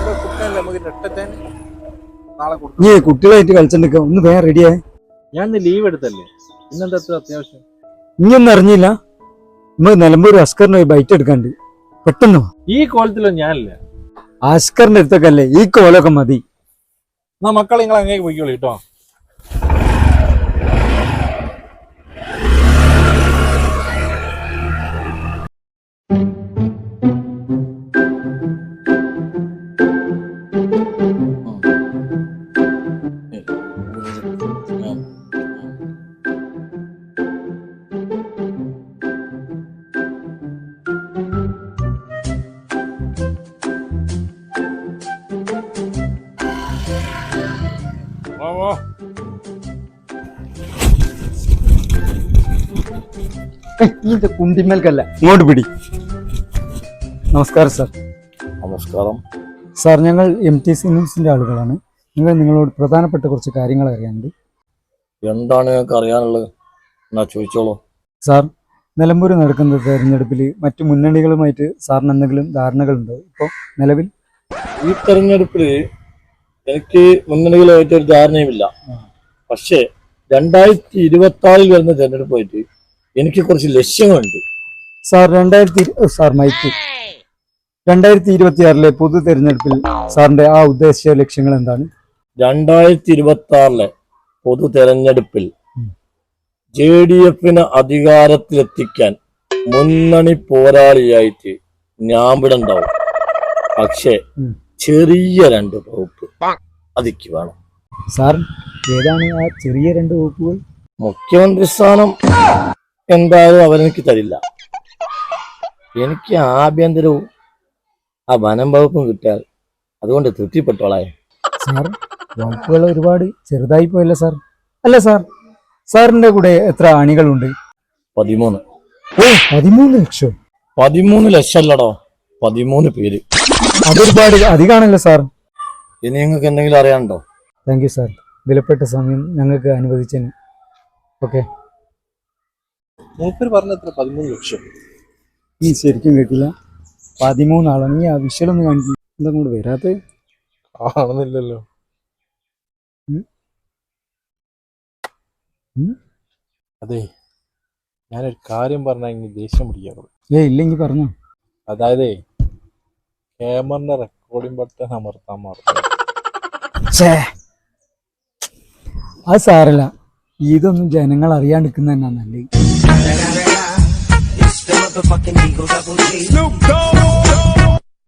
നീ കുട്ടികളായിട്ട് കളിച്ചിട്ട് ഒന്ന് വേറെ റെഡിയായി. ഞാൻ ലീവ് എടുത്തല്ലേ, ഇന്നെന്താ അത്യാവശ്യം? നീ ഒന്നും അറിഞ്ഞില്ല? നമ്മൾ നിലമ്പൂർ അസ്കറിന് ബൈറ്റ് എടുക്കാണ്ട് പെട്ടെന്ന്. ഈ കോലത്തിലോ ഞാനില്ല. അസ്കറിന്റെ അടുത്തൊക്കെ അല്ലേ ഈ കോലൊക്കെ മതി. എന്നാ മക്കളെ നിങ്ങൾ അങ്ങേക്ക് പോയിക്കോളൂ കേട്ടോ. കുണ്ടിമേൽക്കല്ല, ഇങ്ങോട്ട് പിടി. നമസ്കാരം സാർ. നമസ്കാരം സാർ, ഞങ്ങൾ MTC ന്യൂസിന്റെ ആളുകളാണ്. നിങ്ങളോട് പ്രധാനപ്പെട്ട കുറച്ച് കാര്യങ്ങൾ അറിയാനുണ്ട്. എന്താണ് ഞങ്ങൾക്ക് അറിയാനുള്ളത്? എന്നാ ചോദിച്ചോളൂ. സാർ, നിലമ്പൂർ നടക്കുന്ന തെരഞ്ഞെടുപ്പിൽ മറ്റു മുന്നണികളുമായിട്ട് സാറിന് എന്തെങ്കിലും ധാരണകളുണ്ടോ ഇപ്പോൾ നിലവിൽ? ഈ തെരഞ്ഞെടുപ്പിൽ എനിക്ക് മുന്നണികളുമായിട്ട് ഒരു ധാരണയുമില്ല. പക്ഷേ 2026 വരുന്ന തെരഞ്ഞെടുപ്പായിട്ട് എനിക്ക് കുറച്ച് ലക്ഷ്യങ്ങളുണ്ട്. സാർ, 2026 പൊതു തെരഞ്ഞെടുപ്പിൽ സാറിന്റെ ആ ഉദ്ദേശിച്ച ലക്ഷ്യങ്ങൾ എന്താണ്? 2026 പൊതു തെരഞ്ഞെടുപ്പിൽ JDF-നെ അധികാരത്തിലെത്തിക്കാൻ മുന്നണി പോരാളിയായിട്ട് ഞാൻ ഇവിടെ ഉണ്ടാവും. പക്ഷേ ചെറിയ 2 വകുപ്പ് അതിക്ക് വേണം. സാർ, ഏതാണ് ആ ചെറിയ 2 വകുപ്പുകൾ? മുഖ്യമന്ത്രി സ്ഥാനം എന്തായാലും അവരെനിക്ക് തരില്ല. എനിക്ക് ആഭ്യന്തരവും ആ വനം വകുപ്പും കിട്ടിയാൽ അതുകൊണ്ട് തൃപ്തിപ്പെട്ടോളായ. സാർ, വകുപ്പുകൾ ഒരുപാട് ചെറുതായി പോയല്ലേ സാർ? അല്ല സാർ, സാറിന്റെ കൂടെ എത്ര അണികളുണ്ട്? 13. 13 ലക്ഷം? 13 ലക്ഷം അല്ലടോ, 13 പേര്. അതൊരുപാട് അധികമാണല്ലോ സാർ. ഇനി നിങ്ങൾക്ക് എന്തെങ്കിലും അറിയാനുണ്ടോ? താങ്ക് യു സാർ, വിലപ്പെട്ട സമയം ഞങ്ങൾക്ക് അനുവദിച്ചതിന്. ഓക്കെ. മൂപ്പര് പറഞ്ഞത്ര 13 ലക്ഷം. നീ ശരിക്കും കേട്ടില്ല? 13 ആളാണ്. നീ ആ വിഷയമൊന്നും കാണിച്ചു എന്താ കൂടെ വരാത്ത കാണുന്നില്ലല്ലോ. അതെ, ഞാനൊരു കാര്യം പറഞ്ഞാൽ ഇനി ദേഷ്യം പിടിക്കാറുള്ളൂ. ഇല്ലെങ്കിൽ പറഞ്ഞോ. അതായത് ക്യാമറിന്റെ റെക്കോർഡിംഗ് ബട്ടൺ അമർത്താൻ മറന്നു. അത് സാരല്ല, ഇതൊന്നും ജനങ്ങൾ അറിയാണ്ടിരിക്കുന്ന തന്നെ നല്ലത്.